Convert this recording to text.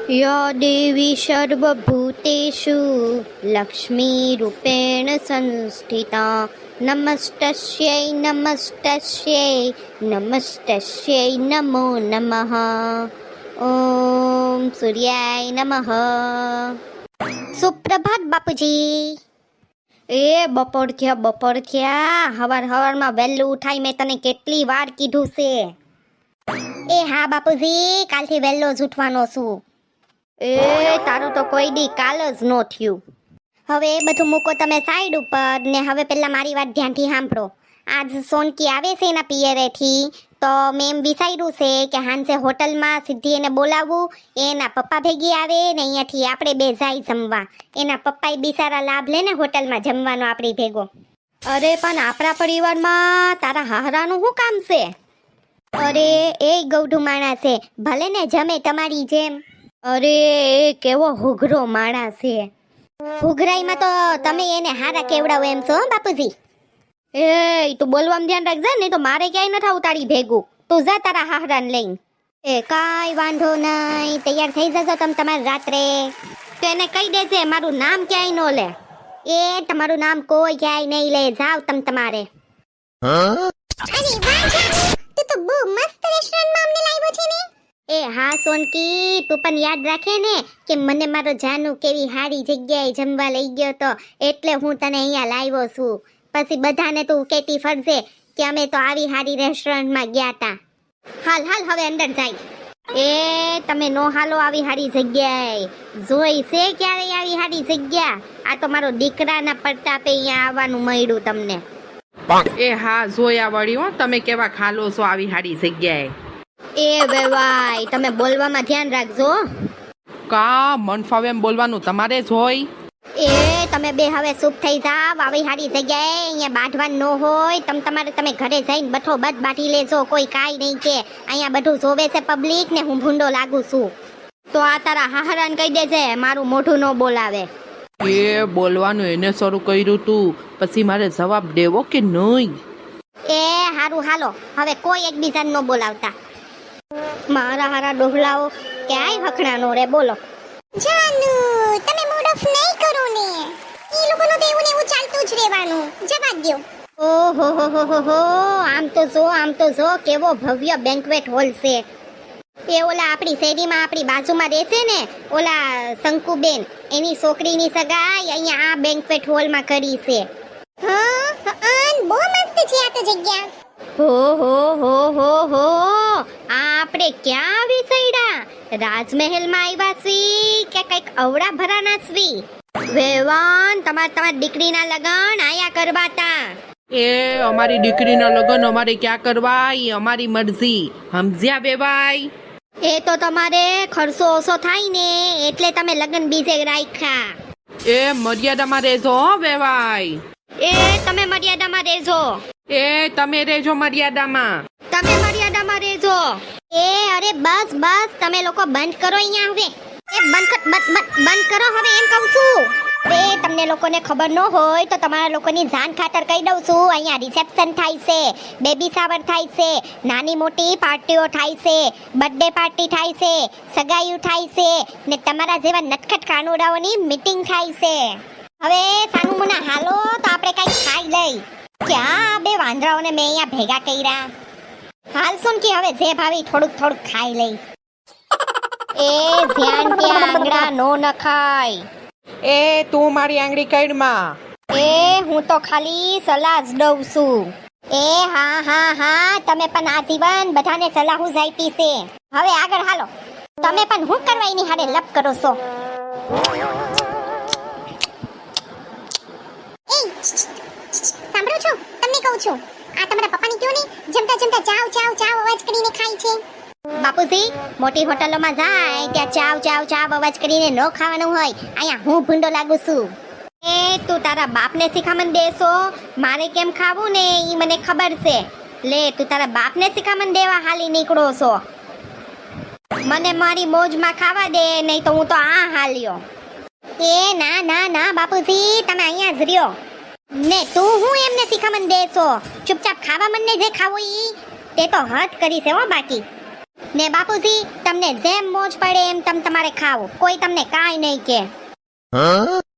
या देवी सर्वभूतेषु लक्ष्मीरूपेण संस्थिता नमस्तस्यै नमस्तस्यै नमस्तस्यै नमो नमः ओम सूर्याय नमः। સુપ્રભાત બાપુજી। એ બપોર થયા હવાર હવારમાં વહેલું ઉઠાઈ મેં તને કેટલી વાર કીધું છે। એ હા બાપુજી, કાલથી વહેલો જ ઉઠવાનો છું। એ તારું તો કોઈ દી કાલ જ નો થયું। હવે એ બધું મૂકો તમે સાઈડ ઉપર ને હવે પહેલા મારી વાત ધ્યાનથી સાંભળો। આજ સોનકી આવે છે એના પિયરેથી, તો મેં એમ વિચાર્યું છે કે હાંજે હોટલમાં સીધી એને બોલાવવું, એના પપ્પા ભેગી આવે ને અહીંયાથી આપણે બે જાય જમવા। એના પપ્પાએ બિચારા લાભ લે ને હોટલમાં જમવાનો આપણી ભેગો। અરે પણ આપણા પરિવારમાં તારા હાહરાનું શું કામ છે? અરે એ ગૌઢું માણસ છે, ભલે ને જમે તમારી જેમ। અરે એ કેવો હુઘરો માણસ છે। હુઘરાઈમાં તો તમે એને હારા કેવડાવો એમ છો બાપુજી। એ તું બોલવામાં ધ્યાન રાખજે, નહીં તો મારે ક્યાંય નથી આવું તારી ભેગું। તું જા તારા હાહરાને લઈને। એ કાંઈ વાંધો નહીં, તૈયાર થઈ જજો તમે તમારે રાત્રે। તો એને કહી દેજે મારું નામ ક્યાંય ન લે। એ તમારું નામ કોઈ ક્યાંય નહીં લે, જાવ તમે તમારે। અરે વાહ જાનુ, તું તો બહુ મસ્ત રેસ્ટોરન્ટમાં અમને લાવ્યો છે ને। એ હા સોનકી, તું પણ યાદ રાખે ને કે મને મારો જાનુ કેવી હારી જગ્યાએ જમવા લઈ ગયો તો, એટલે હું તને અહીંયા લાવ્યો છું। પછી બધાને તું કેતી ફરજે કે અમે તો આવી હારી રેસ્ટોરન્ટમાં ગયા તા। હાલ હાલ હવે અંદર જાય। એ તમે નો હાલો આવી હારી જગ્યાએ, જોઈ છે ક્યારે આવી હારી જગ્યા? આ તો મારો દીકરાના પ્રતાપે અહીંયા આવવાનું મળ્યું તમને। એ હા જોયા વળી હો, તમે કેવા ખાલો છો આવી હારી જગ્યાએ। એ વેવાય, તમે બોલવામાં ધ્યાન રાખજો। કા મન ફાવે એમ બોલવાનું તમારે જ હોય। એ તમે બે હવે ચૂપ થઈ જાવ, આવી હારી જગ્યાએ અહીંયા બાંધવાનું ન હોય। તમે ઘરે જઈને બઠો બધ બાંધી લેજો, કોઈ કાંઈ નહીં કે। અહીંયા બધું જોવે છે પબ્લિક ને હું ભૂંડો લાગુ છું। તો આ તારા હાહરાને કહી દેજે મારું મોઢું ન બોલાવે। એ બોલવાનું એને શરૂ કર્યું તું, પછી મારે જવાબ દેવો કે નહીં? એ હારું હાલો, હવે કોઈ એકબીજાને ન બોલાવતા। મારા હારા ડોહલાઓ ક્યાંય હખણા નો રે, બોલો। જાનુ તમે મૂડ ઓફ નહીં કરો ને, ઈ લોકોનું તો એવું ને એવું ચાલતું જ રહેવાનું, જવા દ્યો। ઓહો હો હો, આમ તો જો કેવો ભવ્ય બેન્ક્વેટ હોલ છે। એ ઓલા આપણી શેરીમાં આપણી બાજુમાં રહેશે ને ઓલા શંકુબેન, એની છોકરીની સગાઈ અહીંયા આ બેન્ક્વેટ હોલમાં કરી છે। હા બહુ મસ્ત છે આ તો જગ્યા। હો આપણે ક્યાં આવી સઈડા? રાજમહેલમાં આવ્યા છી કે કઈક અવડા ભરાના છી? વેવાન તમારી દીકરીના લગન આયા કરવાતા। એ અમારી દીકરીના લગ્ન અમારે ક્યાં કરવા, એ અમારી મરજી, સમજ્યા બેબાઈ? એ તો તમારે ખર્ચો ઓછો થાય ને એટલે તમે લગન બીજે રાખ્યા। એ મર્યાદામાં રહેજો હો બેબાઈ। એ તમે મર્યાદામાં રહેજો। એ તમે રહેજો મર્યાદામાં। તમે મર્યાદામાં રહેજો। એ અરે બસ તમે લોકો બંધ કરો અહીંયા હવે। એ બંધ કરો હવે એમ કહું છું। એ તમને લોકોને ખબર ન હોય તો તમારા લોકોની જાન ખાતર કહી દઉં છું, અહીંયા રિસેપ્શન થાય છે, બેબી શાવર થાય છે, નાની મોટી પાર્ટીઓ થાય છે, બર્થડે પાર્ટી થાય છે, સગાઈઓ થાય છે ને તમારા જેવા નટખટ કાનુડાઓની મીટિંગ થાય છે। હવે સાનું મુના હાલો તો આપણે કઈ ખાઈ લઈ। ક્યાં બે વાંદરાઓને મેં અહીંયા ભેગા કર્યા। હાલ સુન કે હવે જે ભાવી થોડુંક ખાઈ લઈ। એ ધ્યાન કે આંગળા નો નખાય। એ તું મારી આંગળી કઈડમાં। એ હું તો ખાલી સલાહ જ દઉં છું। એ હા તમે પણ આજીવન બધાને સલાહ જ આપી છે। હવે આગળ હાલો, તમે પણ હું કરવા એની હારે લપ કરો છો। સાંભળો છો, તમને કહું છું, આ તમારા પપ્પાની કયો ને જમતા ચાવ અવાજ કરીને ખાય છે। બાપુજી, મોટી હોટલોમાં જાય ત્યાં ચાવ અવાજ કરીને ન ખાવાનું હોય, અહીંયા હું ભૂંડો લાગુ છું। એ તું તારા બાપને શીખામણ દેશો, મારે કેમ ખાવું ને ઈ મને ખબર છે। લે તું તારા બાપને શીખામણ દેવા હાલી નીકળો છો। મને મારી મોજમાં ખાવા દે, નહીં તો હું તો આ હાલ્યો। એ ના બાપુજી, તમે અહીંયા જ રહ્યો ને। તું હું એમને શીખામણ દેશો, ચૂપચાપ ખાવા મને જે ખાવું ઈ। તે તો હદ કરી છે હો બાકી। ને બાપુજી તમને જેમ મોજ પડે એમ તમ તમારે ખાવ, કોઈ તમને કાંઈ નહીં કે.